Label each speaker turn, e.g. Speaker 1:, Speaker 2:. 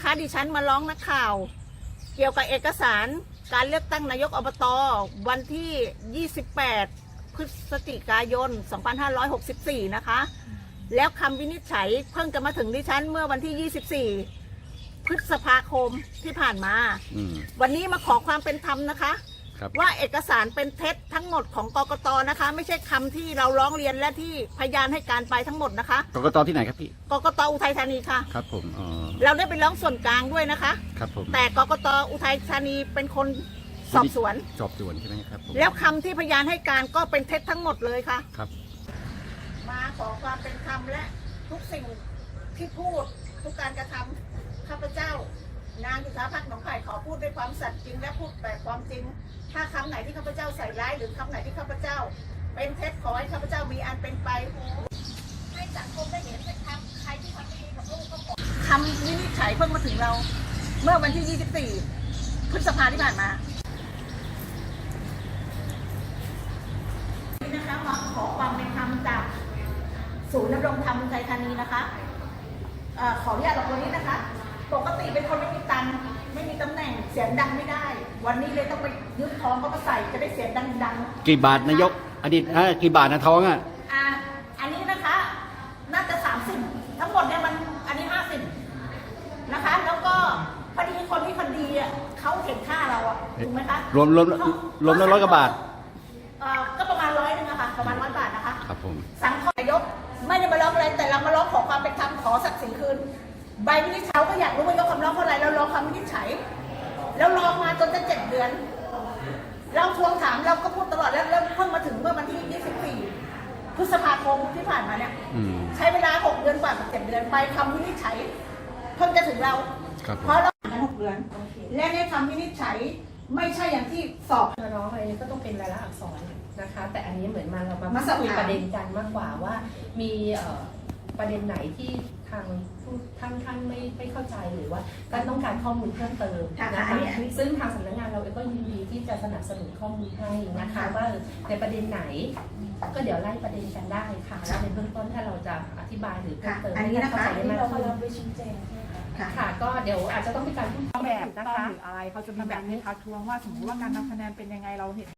Speaker 1: นะคะดิฉันมาร้องนักข่าวเกี่ยวกับเอกสารการเลือกตั้งนายกอบต.วันที่ 28 พฤศจิกายน 2564 นะคะแล้วคำวินิจฉัยเพิ่งจะมาถึงดิฉันเมื่อวันที่ 24 พฤษภาคมที่ผ่านมาวันนี้มาขอความเป็นธรรมนะคะว่าเอกสารเป็นเท็จทั้งหมดของกกต.นะคะไม่ใช่คำที่เราร้องเรียนและที่พยานให้การไปทั้งหมดนะคะ
Speaker 2: กกต.ที่ไหนครับพี่
Speaker 1: กกต.อุทัยธานีค่ะ
Speaker 2: ครับผม
Speaker 1: เราได้ไปร้องส่วนกลางด้วยนะคะ
Speaker 2: ครับผม
Speaker 1: แต่กกต.อุทัยธานีเป็นคนสอบสวน
Speaker 2: ใช่ไหมครับผม
Speaker 1: แล้วคำที่พยานให้การก็เป็นเท็จทั้งหมดเลยค่ะ
Speaker 2: ครับ
Speaker 1: มาขอความเป็นธรรมและทุกสิ่งที่พูดทุกการกระทำข้าพเจ้านางจุฑาภักดิ์หนองไผ่ขอพูดด้วยความสัตย์จริงและพูดแต่ความจริงถ้าคำไหนที่ข้าพเจ้าใส่ร้ายหรือคำไหนที่ข้าพเจ้าเป็นเท็จขอให้ข้าพเจ้ามีอันเป็นไปให้สังคมได้เห็นเป็นธรรมใครที่ทำไม่ดีกับลูกก็ขอคำวินิจฉัยเพิ่งมาถึงเราเมื่อวันที่ 24 พฤษภาที่ผ่านมานี่นะคะมาขอความเป็นธรรมจากศูนย์ดำรงธรรมอุทัยธานีนะคะขออนุญาตวันนี้นะคะปกติเป็นคนไม่มีตังค์ไม่มีตำแหน่งเสียงดังไม่ได้วันนี้เลยต้องไปยึดทองเขามาใส่จะได้เสียงดัง
Speaker 2: ๆกี่บาทนายกอดีตกี่บาทนะท้อง
Speaker 1: อันนี้นะคะน่าจะ30ทั้งหมดเนี่ยมันอันนี้50นะคะแล้วก็พอดีคนที่คนดีอ่ะเขาเห็นค่าเราอ่ะถูกไหมคะ
Speaker 2: รวมแล้ว100 กว่าบาท
Speaker 1: ก็ประมาณ100นึงนะคะประมาณ100 บาทนะคะ
Speaker 2: ครับผม
Speaker 1: สังคมนายกไม่ได้มาร้องอะไรแต่เรามาร้องขอความเป็นธรรมขอศักดิ์ศรีคืนใบวินิจฉัยก็อยากรู้ว่ายกคำร้องเท่าไหร่เรารอคำวินิจฉัยแล้วรอมาจนจะ7 เดือนเราทวงถามเราก็พูดตลอดแล้วเพิ่งมาถึงเมื่อวันที่24 พฤษภาคมที่ผ่านมาเนี่ยใช้เวลา6 เดือนกว่า7 เดือนใบคำวินิจฉัยเพิ่งจะถึงเราเพราะเรา6 เดือนและในคำวินิจฉัยไม่ใช่อย่างที่สอบ
Speaker 3: ร้องอะไรก็ต้องเป็นรายละอักษรนะคะแต่อันนี้เหมือนเรามาคุยประเด็นกันมากกว่าว่ามีประเด็นไหนที่ทางท่านไม่เข้าใจหรือว่าการต้องการข้อมูลเพิ่มเติมนะคะซึ่งทางสำนักงานเราก็ยินดีที่จะสนับสนุนข้อมูลให้นะคะว่าในประเด็นไหนก็เดี๋ยวไล่ประเด็นกันได้ค่ะแล้วในเบื้องต้นถ้าเราจะอธิบายหรือเพิ่มเติมให้เข้าใจได้มากขึ้นค่ะก็เดี๋ยวอาจจะต้องมีการพูด
Speaker 4: แบบนะคะหรืออะไรเขาจะมีแบบให้ทักท้วงว่าสมมติว่าการทำคะแนนเป็นยังไงเราเห็น